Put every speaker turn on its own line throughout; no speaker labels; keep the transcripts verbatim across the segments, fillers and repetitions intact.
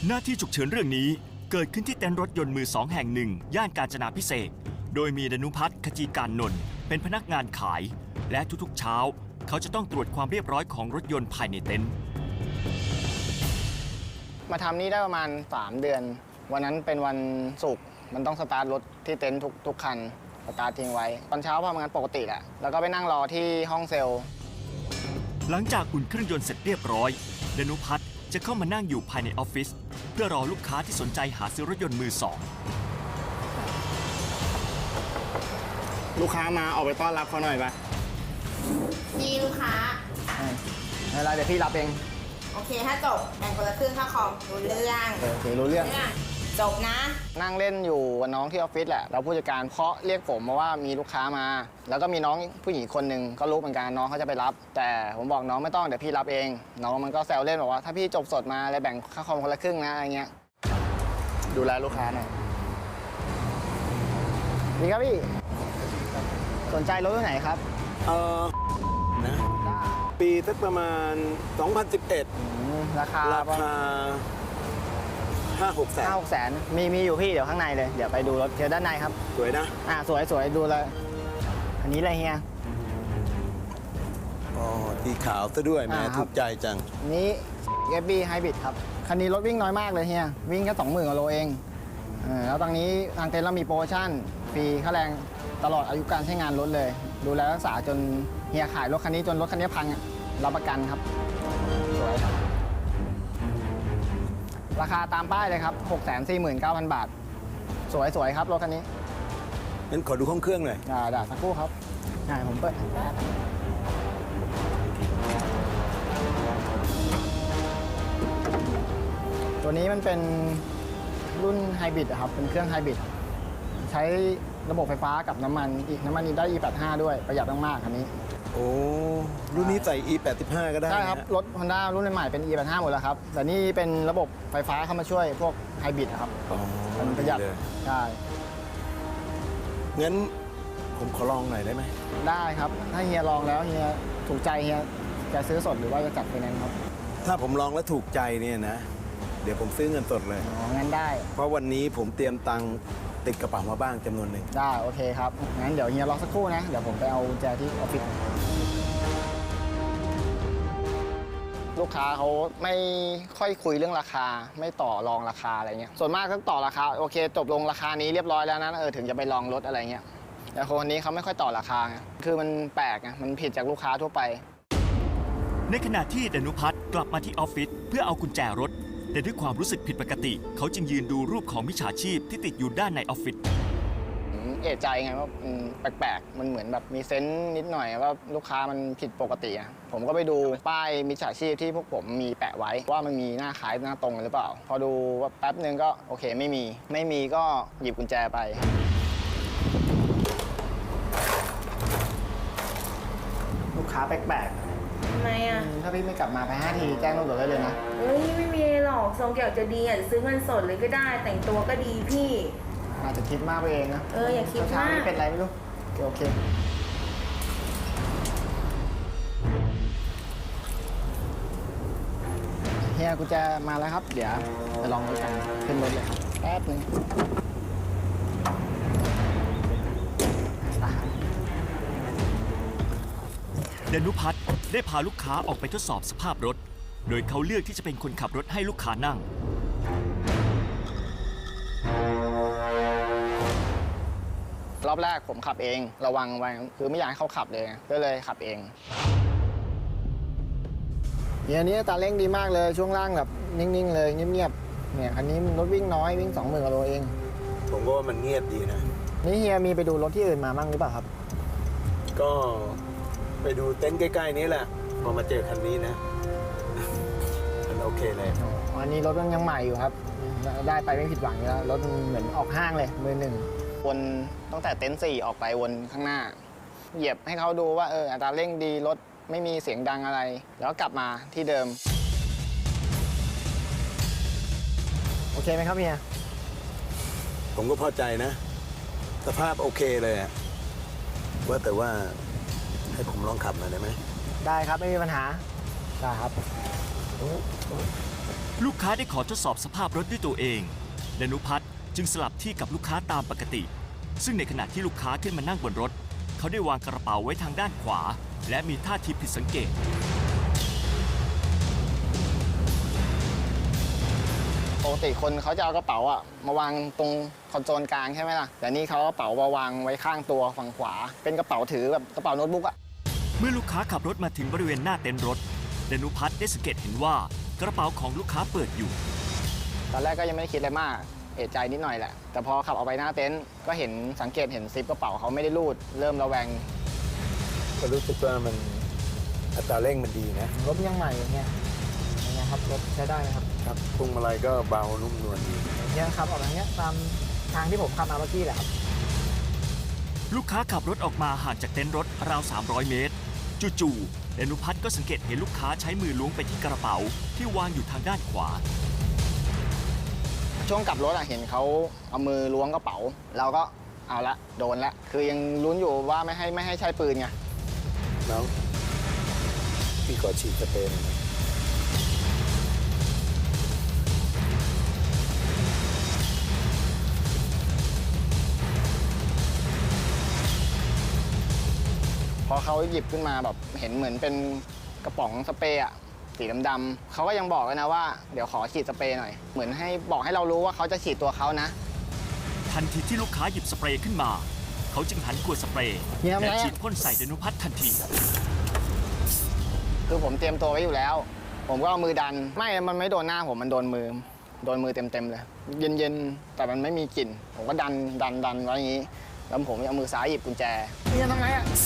หน้าที่ฉุกเฉินเรื่องนี้เกิดขึ้นที่เต็นท์รถยนต์มือสองแห่งหนึ่งย่านกาญจนาพิเศษกโดยมีดนุพัฒน์ขจีการนนท์เป็นพนักงานขายและทุกๆเช้าเขาจะต้องตรวจความเรียบร้อยของรถยนต์ภายในเต็นท์
มาทำนี่ได้ประมาณสามเดือนวันนั้นเป็นวันศุกร์มันต้องสตาร์ทรถที่เต็นท์ทุกทุกคันสตาร์ททิ้งไว้ตอนเช้าพทำงานปกติแหละแล้วก็ไปนั่งรอที่ห้องเซลล์
หลังจากอุ่นเครื่องยนต์เสร็จเรียบร้อยดนุพัฒน์จะเข้ามานั่งอยู่ภายในออฟฟิศเพื่อรอลูกค้าที่สนใจหาซื้อรถยนต์มือสอง
ลูกค้ามาออกไปต้อนรับเขาหน่อยปะ
นี่ลูกค้า
ไม่เป็นไรเดี๋ยวพี่รับเอง
โอเคถ้าจบแบ่งคนละครึ่งค่าคอมรู้เรื่อง
โอเครู้เรื่อง
จบนะ
นั่งเล่นอยู่กับน้องที่ออฟฟิศแหละแล้วผู้จัดการเคาะเรียกผมมาว่ามีลูกค้ามาแล้วก็มีน้องผู้หญิงคนหนึ่งก็รู้เหมือนกันน้องเขาจะไปรับแต่ผมบอกน้องไม่ต้องเดี๋ยวพี่รับเองน้องมันก็แซวเล่นบอกว่าถ้าพี่จบสดมาเลยแบ่งค่าคอมคนละครึ่งนะอะไรเงี้ยดูแลลูกค้าหน่อยนี่ครับพี่สนใจรถตัวไหนครับ
เออนะปีสักประมาณสองพันสิบเอ็ด
ราคา
ราคาห้าหกแสน
ห้าหกแสนมีมีอยู่พี่เดี๋ยวข้างในเลยเดี๋ยวไปดูรถเจอด้านในครับ
สวยนะ
อ่าสวยสวยดูเลยอันนี้อะไรเฮีย
อ๋อสีขาวซะด้วยแม่ถูกใจจัง
นี้เอฟบีไฮบริดครับคันนี้รถวิ่งน้อยมากเลยเฮียวิ่งแค่สองหมื่นกว่าโลเองแล้วตอนนี้ทางเต็นท์เรามีโปรโมชั่นฟรีค่าแรงตลอดอายุการใช้งานรถเลยดูแลรักษาจนเฮียขายรถคันนี้จนรถคันนี้พังรับประกันครับสวยครับราคาตามป้ายเลยครับ หกแสนสี่หมื่นเก้าพัน บาทสวยสวยครับรถคันนี้
งั้นขอดูห้องเครื่องหน่อย
ได้ได้สักครู่ครับได้ผมเปิดตัวนี้มันเป็นรุ่นไฮบริดครับเป็นเครื่องไฮบริดใช้ระบบไฟฟ้ากับน้ำมันอีกน้ำมันนี้ได้ อี แปดสิบห้า ด้วยประหยัดมากๆคันนี้
โอ้รุ่นนี้ใส่ อี แปดสิบห้า ก็ได้
ใช่ครับรถ Honda รุ่นใหม่เป็น อี แปดสิบห้า หมดแล้วครับแต่นี่เป็นระบบไฟฟ้าเข้ามาช่วยพวกไฮบริดครับมันประหยัดใช่
งั้นผมขอลองหน่อยได้ไหม
ได้ครับถ้าเฮียลองแล้วเฮียถูกใจเฮียจะซื้อสดหรือว่าจะจัดไฟแนนซ์ครับ
ถ้าผมลองแล้วถูกใจเนี่ยนะเดี๋ยวผมซื้อเงินสดเลย
อ๋องั้นได้
เพราะวันนี้ผมเตรียมตังค์ติดกระเป๋ามาบ้างจำนวนหนึ่ง
ได้โอเคครับงั้นเดี๋ยวเฮียรอสักครู่นะเดี๋ยวผมไปเอากุญแจที่ออฟฟิศลูกค้าเขาไม่ค่อยคุยเรื่องราคาไม่ต่อรองราคาอะไรเงี้ยส่วนมากก็ต่อราคาโอเคจบลงราคานี้เรียบร้อยแล้วนะเออถึงจะไปลองรถอะไรเงี้ยแต่คนนี้เขาไม่ค่อยต่อราคาคือมันแปลกไงมันผิดจากลูกค้าทั่วไป
ในขณะที่ดนุพัฒน์กลับมาที่ออฟฟิศเพื่อเอากุญแจรถแต่ด้วยความรู้สึกผิดปกติเขาจึงยืนดูรูปของมิจฉาชีพที่ติดอยู่ด้านในออฟฟิศ
เอะใจไงว่าแปลกๆมันเหมือนแบบมีเซนส์นิดหน่อยว่าลูกค้ามันผิดปกติอ่ะผมก็ไปดูป้ายมิจฉาชีพที่พวกผมมีแปะไว้ว่ามันมีหน้าคล้ายหน้าตรงหรือเปล่าพอดูว่าแป๊บนึงก็โอเคไม่มีไม่มีก็หยิบกุญแจไปลูกค้าแปลก
ๆทำไมอ่ะ
ถ้าพี่ไม่กลับมาภายห้าทีแจ้งตำรวจได้เลยนะ
เฮ้ยไม่มีหรอกทรงเกี่ยวจะดีอ่ะซื้อเงินสดเลยก็ได้แต่งตัวก็ดีพี่
อาจจะคิดมากไปเองนะ
เอออย่าคิดมาก
ไม่เป็นไรไม่รู้โอเคเฮียกูจะมาแล้วครับเดี๋ยวไปลองรถกันขึ้นรถเลยครับแป๊บนึง
ดนุพัฒน์ได้พาลูกค้าออกไปทดสอบสภาพรถโดยเขาเลือกที่จะเป็นคนขับรถให้ลูกค้านั่ง
รอบแรกผมขับเองระวังไว้คือไม่อยากให้เขาขับเลยก็เลยขับเองเนี่ยนี้ตาเร่งดีมากเลยช่วงล่างแบบนิ่งๆเลยเงียบๆเนี่ยอันนี้รถวิ่งน้อยวิ่งสองหมื่นกว่าโลเอง
ผมก็ว่ามันเงียบดีนะ
นี่เฮียมีไปดูรถที่อื่นมาบ้างหรือเปล่าครับ
ก็ไปดูเต็นท์ใกล้ๆนี้แหละพอมาเจอคันนี้นะมันโอเคเลย
อันนี้รถมันยังใหม่อยู่ครับได้ไปไม่ผิดหวังแล้วรถเหมือนออกห้างเลยมือหนึ่งวนตั้งแต่เต็นท์สี่ออกไปวนข้างหน้าเหยียบให้เขาดูว่าเอออัตราเร่งดีรถไม่มีเสียงดังอะไรแล้วกลับมาที่เดิมโอเคไหมครับเฮีย
ผมก็พอใจนะสภาพโอเคเลยอะว่าแต่ว่าให้ผมลองขับหน่อยได้ไหม
ได้ครับไม่มีปัญหาได้ครับ
ลูกค้าได้ขอทดสอบสภาพรถด้วยตัวเองดนุพัฒน์จึงสลับที่กับลูกค้าตามปกติ ซึ่งในขณะที่ลูกค้าขึ้นมานั่งบนรถ เขาได้วางกระเป๋าไว้ทางด้านขวา และมีท่าทีผิดสังเกต
ปกติคนเขาจะเอากระเป๋าอะมาวางตรงคอนโซลกลางใช่ไหมล่ะ แต่นี่เขาเอากระเป๋ามาวางไว้ข้างตัวฝั่งขวา เป็นกระเป๋าถือแบบกระเป๋าโน้ตบุ๊กอะ
เมื่อลูกค้าขับรถมาถึงบริเวณหน้าเต็นท์รถดนุพัฒน์ได้สังเกตเห็นว่ากระเป๋าของลูกค้าเปิดอยู่
ตอนแรกก็ยังไม่ได้คิดอะไรมาก เอะใจนิดหน่อยแหละ แต่พอขับออกไปหน้าเต็นท์ก็เห็นสังเกตเห็นซิปกระเป๋าเขาไม่ได้รูด เริ่มระแวง
ก็รู้สึกว่ามันอัตราเร่งมันดีนะ
รถยังใหม่อย่างเงี้ยยังไงครับรถใช้ได้ไหมครับ
ครับพวงมาลัยก็เบานุ่มนวลดี
อย่างเงี้ยครับออกอย่างเงี้ยตามทางที่ผมขับมาเมื่อกี้แหละครับ
ลูกค้าขับรถออกมาห่างจากเต็นท์รถราว สามร้อย เมตร จู่ๆดนุพัฒน์ก็สังเกตเห็นลูกค้าใช้มือล้วงไปที่กระเป๋าที่วางอยู่ทางด้านขวา
ช่วงกลับรถอะเห็นเขาเอามือล้วงกระเป๋า เราก็เอาละโดนละคือยังลุ้นอยู่ว่าไม่ให้ไม่ให้ใช้ปืนไง
น้องพี่ขอฉีดสเปรย์หน่อยนะ
พอเขาหยิบขึ้นมาแบบเห็นเหมือนเป็นกระป๋องสเปรย์อะสีดำๆเขาก็ยังบอกเลยนะว่าเดี๋ยวขอฉีดสเปรย์หน่อยเหมือนให้บอกให้เรารู้ว่าเขาจะฉีดตัวเขานะ
ทันทีที่ลูกค้าหยิบสเปรย์ขึ้นมา เขาจึงหันขวดสเปรย์
เยี่ยม
และ
แล้ว
ฉีดพ่นใส่ดนุพัฒน์ทันที
คือผมเตรียมตัวไว้อยู่แล้ว ผมก็เอามือดัน ไม่มันไม่โดนหน้าผมมันโดนมือโดนมือเต็มๆเลย เย็นๆแต่มันไม่มีกลิ่นผมก็ดันดันดันไว้อย่างนี้ แล้วผมเอามือซ้ายหยิบกุญแจนี่ทำไงอะ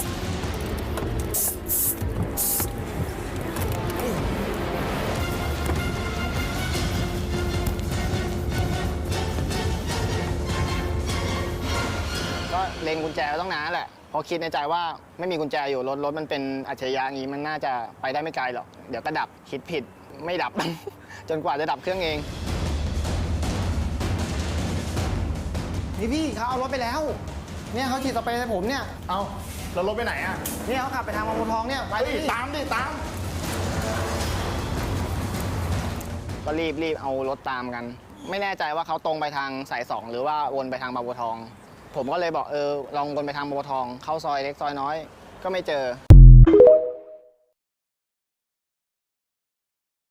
ก็เล็งกุญแจไว้ต้องนานแหละ พอคิดในใจว่าไม่มีกุญแจอยู่รถรถมันเป็นอัจฉริยะอย่างนี้มันน่าจะไปได้ไม่ไกลหรอก เดี๋ยวก็ดับคิดผิดไม่ดับ จนกว่าจะดับเครื่องเอง นี่พี่เขาเอารถไปแล้ว เนี่ยเขาฉีดสเปรย์ใส่ผมเนี่ย
เอาแล้วรถไปไหนอ่ะ
เนี่ยเขาขับไปทางบางบัวทองเนี่ยไป
เฮ้ย
ดิ
ตามดิ ตาม
ก็รีบรีบเอารถตามกัน ไม่แน่ใจว่าเขาตรงไปทางสายสองหรือว่าวนไปทางบางบัวทอง ผมก็เลยบอกเออลองวนไปทางบางบัวทอง เข้าซอยเล็กซอยน้อยก็ไม่เจอ